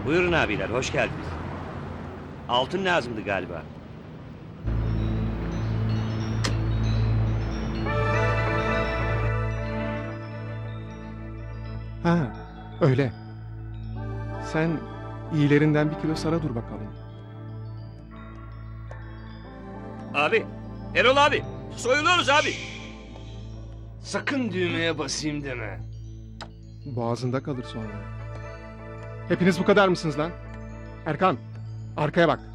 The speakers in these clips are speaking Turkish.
Buyurun abiler, hoş geldiniz. Altın lazımdı galiba. Ha, öyle. Sen iyilerinden bir kilo sara dur bakalım. Abi, Erol abi, soyuluyoruz abi. Sakın düğmeye basayım deme. Boğazında kalır sonra. Hepiniz bu kadar mısınız lan? Erkan, arkaya bak.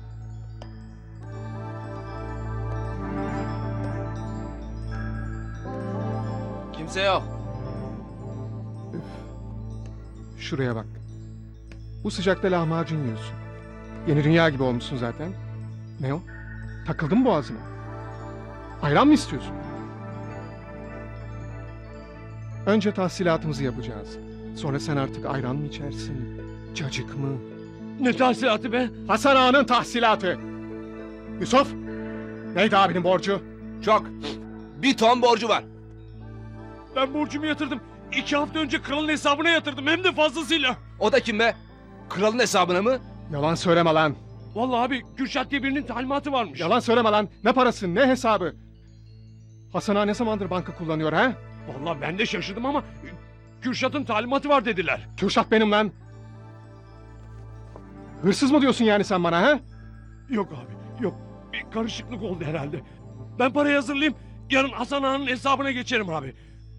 Kimse yok. Şuraya bak. Bu sıcakta lahmacun yiyorsun. Yeni dünya gibi olmuşsun zaten. Ne o? Takıldın mı boğazına? Ayran mı istiyorsun? Önce tahsilatımızı yapacağız. Sonra sen artık ayran mı içersin? Cacık mı? Ne tahsilatı be? Hasan Ağa'nın tahsilatı. Yusuf, neydi abinin borcu? Çok. 1 ton borcu var. Ben borcumu yatırdım. 2 hafta önce kralın hesabına yatırdım hem de fazlasıyla. O da kim be? Kralın hesabına mı? Yalan söyleme lan. Vallahi abi Kürşat diye birinin talimatı varmış. Yalan söyleme lan. Ne parası, ne hesabı? Hasan Ağa ne zamandır banka kullanıyor ha? Vallahi ben de şaşırdım ama Kürşat'ın talimatı var dediler. Kürşat benim lan. Hırsız mı diyorsun yani sen bana ha? Yok abi yok. Bir karışıklık oldu herhalde. Ben parayı hazırlayayım. Yarın Hasan Ağa'nın hesabına geçerim abi.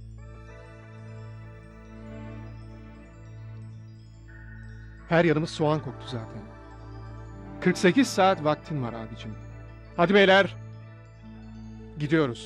Her yanımız soğan koktu zaten. 48 saat vaktin var abicim. Hadi beyler. Gidiyoruz.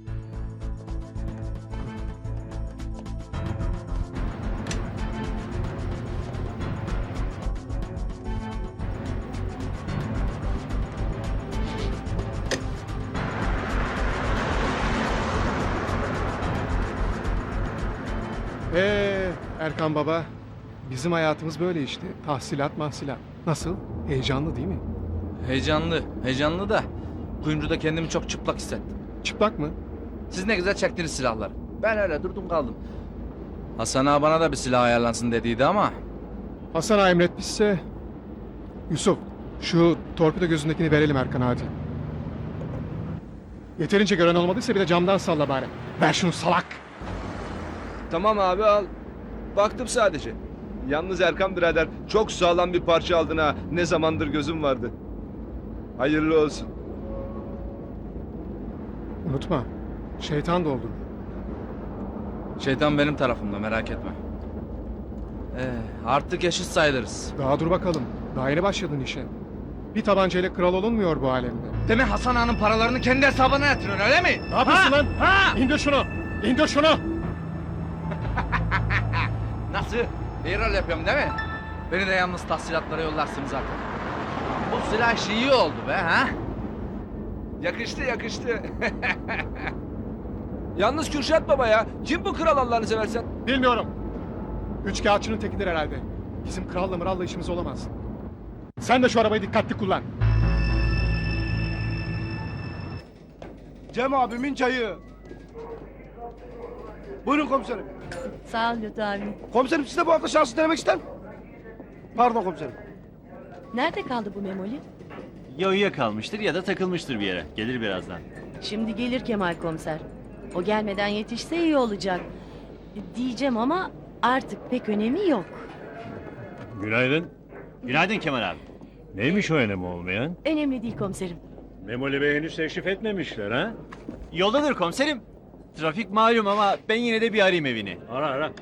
Erkan baba, bizim hayatımız böyle işte. Tahsilat mahsilat. Nasıl? Heyecanlı değil mi? Heyecanlı da kuyumcuda kendimi çok çıplak hissettim. Çıplak mı? Siz ne güzel çektiniz silahları. Ben öyle durdum kaldım. Hasan ağa bana da bir silah ayarlansın dediydi ama Hasan Ağa emretmişse... Yusuf, şu torpido gözündekini verelim Erkan hadi. Yeterince gören olmadıysa bir de camdan salla bari. Ver şunu salak! Tamam abi al. Baktım sadece. Yalnız Erkan birader çok sağlam bir parça aldın ha. Ne zamandır gözüm vardı. Hayırlı olsun. Unutma, şeytan doldurur. şeytan benim tarafımda, merak etme. Artık eşit sayılırız. Daha dur bakalım, daha yeni başladın işe. Bir tabancayla kral olunmuyor bu alemde. Demek Hasan ağanın paralarını kendi hesabına yatırıyorsun öyle mi? Ne yapıyorsun lan? İndir şunu! İndir şunu! Nasıl? İyi rol yapıyorum değil mi? Beni de yalnız tahsilatlara yollarsın zaten. Bu silah işi iyi oldu be ha? Yakıştı yakıştı. Yalnız Kürşat baba ya. Kim bu kral Allah'ını seversen? Bilmiyorum. Üç kağıtçının tekidir herhalde. Bizim kralla mıralla işimiz olamaz. Sen de şu arabayı dikkatli kullan. Cem abimin çayı. Buyurun komiserim. Sağ ol Lütfü abi. Komiserim siz de bu hafta şansı denemek ister mi? Pardon komiserim. Nerede kaldı bu Memoli? Ya uyuyakalmıştır ya da takılmıştır bir yere. Gelir birazdan. Şimdi gelir Kemal komiser. O gelmeden yetişse iyi olacak. Diyeceğim ama artık pek önemi yok. Günaydın. Günaydın Kemal abi. Neymiş o önemi olmayan? Önemli değil komiserim. Memoli Bey henüz teşrif etmemişler ha? Yoldadır komiserim. Trafik malum ama ben yine de bir arayayım evini. Ara ara.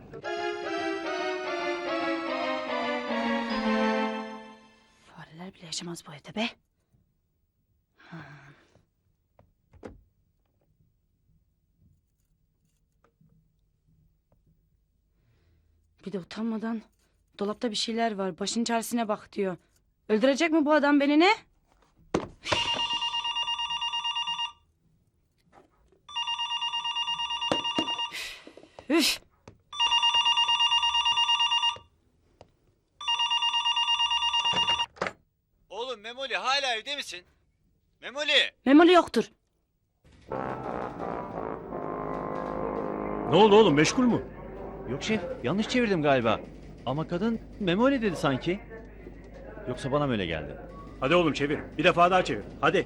Fareler bile yaşamaz bu evde be. Bir de utanmadan dolapta bir şeyler var. Başın çaresine bak diyor. Öldürecek mi bu adam beni ne? Üf! Oğlum Memoli hala evde misin? Memoli! Memoli yoktur. Ne oldu oğlum, meşgul mü? Yok şef, yanlış çevirdim galiba. Ama kadın Memoli dedi sanki. Yoksa bana mı öyle geldi? Hadi oğlum çevir. Bir defa daha çevir. Hadi.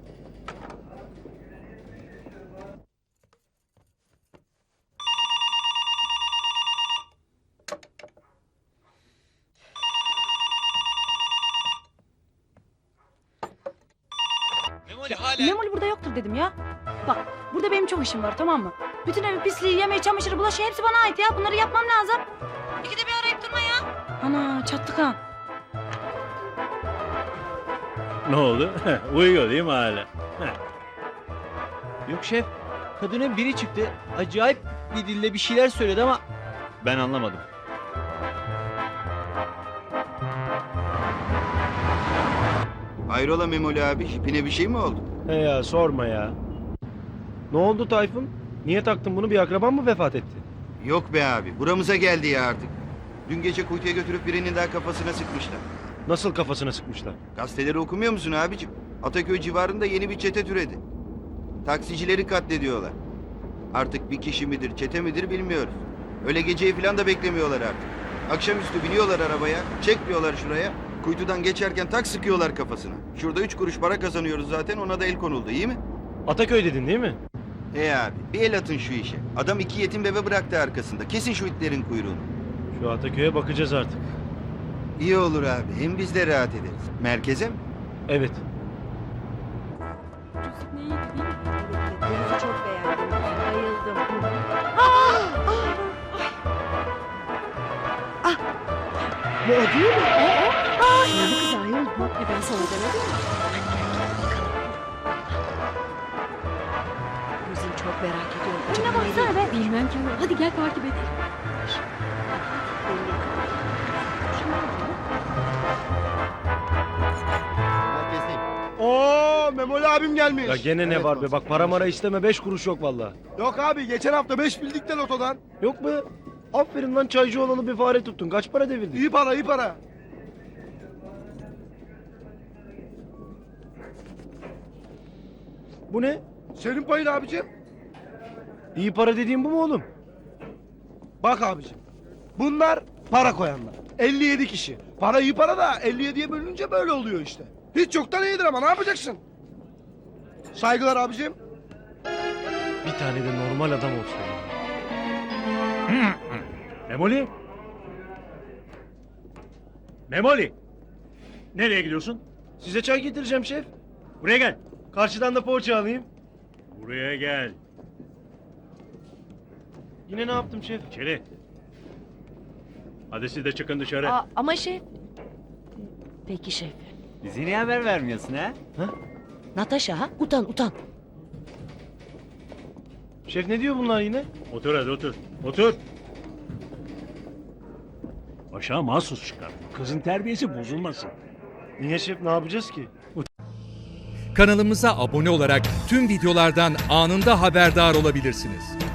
Memoli burada yoktur dedim ya. Bak burada benim çok işim var tamam mı? Bütün evi pisliği, yemeği, çamaşırı, bulaşığı hepsi bana ait ya. Bunları yapmam lazım. İkide bir arayıp durma ya. Ana çattık ha. Ne oldu? Uyuyor değil mi hala? Yok şef. Kadının biri çıktı. Acayip bir dille bir şeyler söyledi ama ben anlamadım. Hayrola Memoli abi? Hipine bir şey mi oldu? He ya sorma ya. Ne oldu Tayfun? Niye taktın bunu? Bir akraban mı vefat etti? Yok be abi. Buramıza geldi ya artık. Dün gece kuytuya götürüp birinin daha kafasına sıkmışlar. Nasıl kafasına sıkmışlar? Gazeteleri okumuyor musun abicim? Ataköy civarında yeni bir çete türedi. Taksicileri katlediyorlar. Artık bir kişi midir, çete midir bilmiyoruz. Öyle geceyi falan da beklemiyorlar artık. Akşamüstü biniyorlar arabaya, çekmiyorlar şuraya. Kuytudan geçerken tak sıkıyorlar kafasına. Şurada 3 kuruş para kazanıyoruz zaten, ona da el konuldu, iyi mi? Ataköy dedin değil mi? Abi, bir el atın şu işe. Adam 2 yetim bebe bıraktı arkasında. Kesin şu itlerin kuyruğunu. Şu Ataköy'e bakacağız artık. İyi olur abi, hem biz de rahat ederiz. Merkeze mi? Evet. Denizi çok beğendim. Bayıldım. Bu o değil mi? O. Ne bu kız ayol bu? Ben sana demedim mi? Kuzum çok merak ediyorum. Önüne baksana be. Bilmem ki ama. Hadi gel takip edelim. Oo, Memoli abim gelmiş. Ya gene ne var be? Bak para mara isteme 5 kuruş yok vallahi. Yok abi, geçen hafta 5 bildik de lotodan. Yok be. Aferin lan çaycı olalı bir fare tuttun. Kaç para devirdin? İyi para, iyi para. Bu ne? Senin payın abicim. İyi para dediğin bu mu oğlum? Bak abicim. Bunlar para koyanlar. 57 kişi. Para iyi para da 57'ye bölününce böyle oluyor işte. Hiç yoktan iyidir ama ne yapacaksın? Saygılar abicim. Bir tane de normal adam olsa ya. Memoli? Memoli! Nereye gidiyorsun? Size çay getireceğim şef. Buraya gel. Karşıdan da poğaça alayım. Buraya gel. Yine ne yaptım şef? İçeri. Hadi siz de çıkın dışarı. Ama şef. Peki şef. Bize niye haber vermiyorsun ha? Natasha ha? Utan. Şef ne diyor bunlar yine? Otur hadi otur. Otur. Aşağı mahsus çıkar. Kızın terbiyesi bozulmasın. Niye şef ne yapacağız ki? Kanalımıza abone olarak tüm videolardan anında haberdar olabilirsiniz.